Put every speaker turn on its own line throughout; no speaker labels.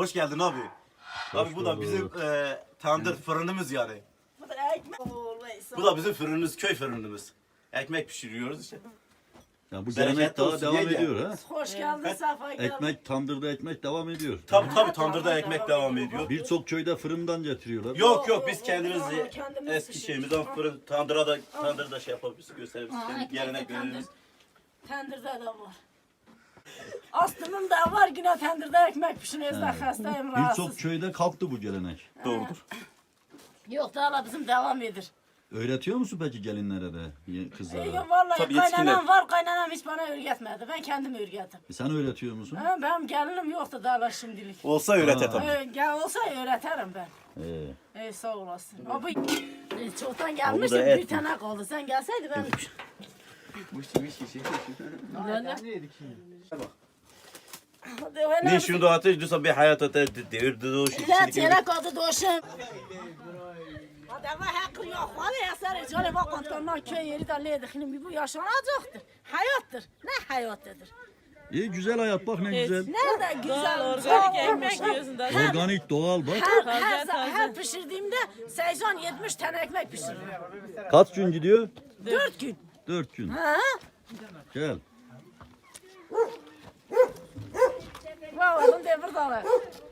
Hoş geldin abi. Abi bu da bizim tandır fırınımız yani.
Bu da ekmek.
Bu da bizim fırınımız, köy fırınımız. Ekmek pişiriyoruz işte.
Ya bu
Bereketli
gelenek daha
olsun,
devam
yenge.
ediyor ha.
Hoş geldin, safa geldin.
Ekmek, tandırda ekmek devam ediyor.
Tabii tandırda ekmek devam ediyor.
Birçok köyde fırından getiriyorlar.
Yok biz kendimiz
kendimiz
eski
pişiriyoruz.
şeyimizden fırın tandırda şey yapabiliriz, gösterebiliriz. Kendi geleneklerimiz.
Tendırda da var. Aslımın da var yine tendırda ekmek pişiriyoruz da hastayım
Birçok
rahatsız.
köyde kalktı bu gelenek.
Doğrudur.
Yok daha bizim devam edir.
Öğretiyor musun peki gelinlere de, kızlara?
Yok vallahi
Tabii
kaynanam
yetişkinler.
var, kaynanam hiç bana öğretmedi. Ben kendim öğrettim.
Sen öğretiyor musun?
Ha, benim gelinim yoktu daha şimdilik.
Olsa öğret tabii.
Gel olsa öğretirim ben. Sağ olasın. Abi çoktan gelmiştim
et
bir tane kaldı. Sen gelseydin ben...
Ne şunu da ateş diyorsa bir hayata devirdi o
لا تيرك هذا دوشم هذا ما حق yok ولا يسار جالي bak kantondan köy yeri de le dikinin bir bu yaşanacaktır. Hayattır. Ne hayattadır?
İyi güzel hayat bak ne güzel.
Nerede güzel
Organik ekmek yiyorsun da.
Organik doğal bak.
her pişirdiğimde 80-70 tane ekmek pişiririm.
Kaç gün gidiyor?
4 gün.
4 gün.
Ha?
Gel.
Vay oğlum devir dalı.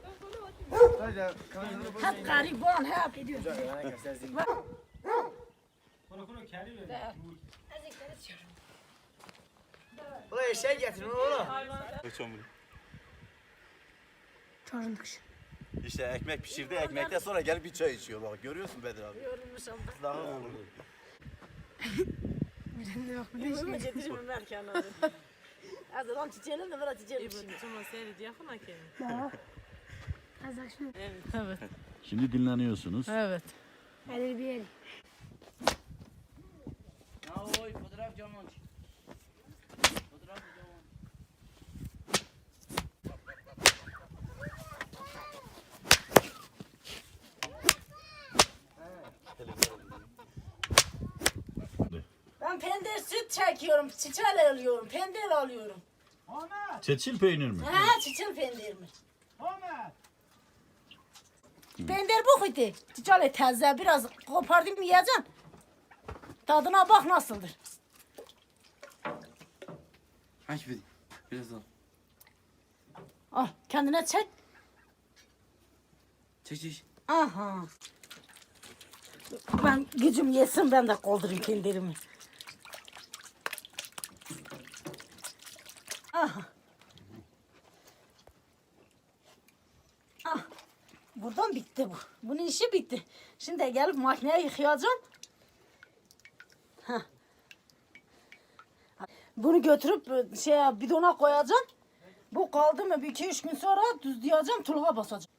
Hep gariban hep.
Buraya şey getirin oğlum.
İşte ekmek pişirdi, ekmekten sonra gelip bir çay içiyor bak. Görüyorsun Bedir abi.
Yorulmuşum.
Daha olur.
Getirme merken abi. Azıdan çiçeğiyle de biraz çiçeğiyle.
Tamam seyret yakın hakem.
Evet.
Şimdi dinleniyorsunuz.
Evet.
Oy fotoğraf camon. Fotoğraf camon.
Ben pendir süt çekiyorum, çiçeği alıyorum, pendir alıyorum.
Çeçil peynir mi?
Ha, çiçeği pendir mi? Pendir bu kuydu. Çiçeği taze, biraz kopardım yiyeceksin. Tadına bak nasıldır.
Hangi bir? Biraz al.
Al, kendine çek.
Çek.
Aha. Ben gücüm yesin, ben de kaldırayım pendirimi. Aha. Ah. Buradan bitti bu. Bunun işi bitti. Şimdi gelip makineye yıkayacağım. Heh. Bunu götürüp bidona koyacağım. Bu kaldı mı bir 2-3 gün sonra düzleyeceğim, tuluğa basacağım.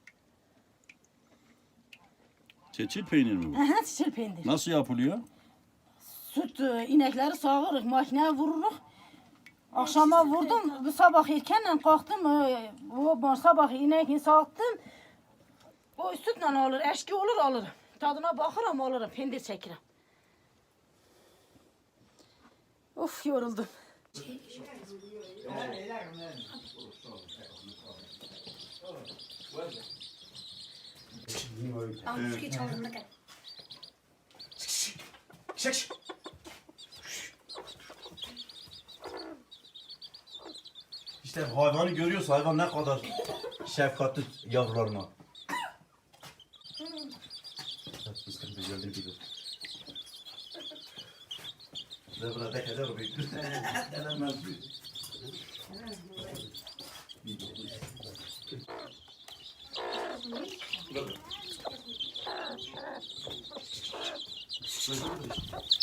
Çeçil peynir mi bu?
Aha, çiçil pendir.
Nasıl yapılıyor?
Süt inekleri sağırıq, makineye vururuq. Akşama vurdum, bu sabah erkenden kalktım, sabah ineğini sağıttım. O sütle alır, eşki olur alırım. Tadına bakırım alırım, pendir çekirim. Of yoruldum.
İşte hayvanı görüyorsun, hayvan ne kadar şefkatli yavrularına. Fıstık güzeldir gibi. Ve burada tek eder o büyüktür. Denemez büyük. Burada.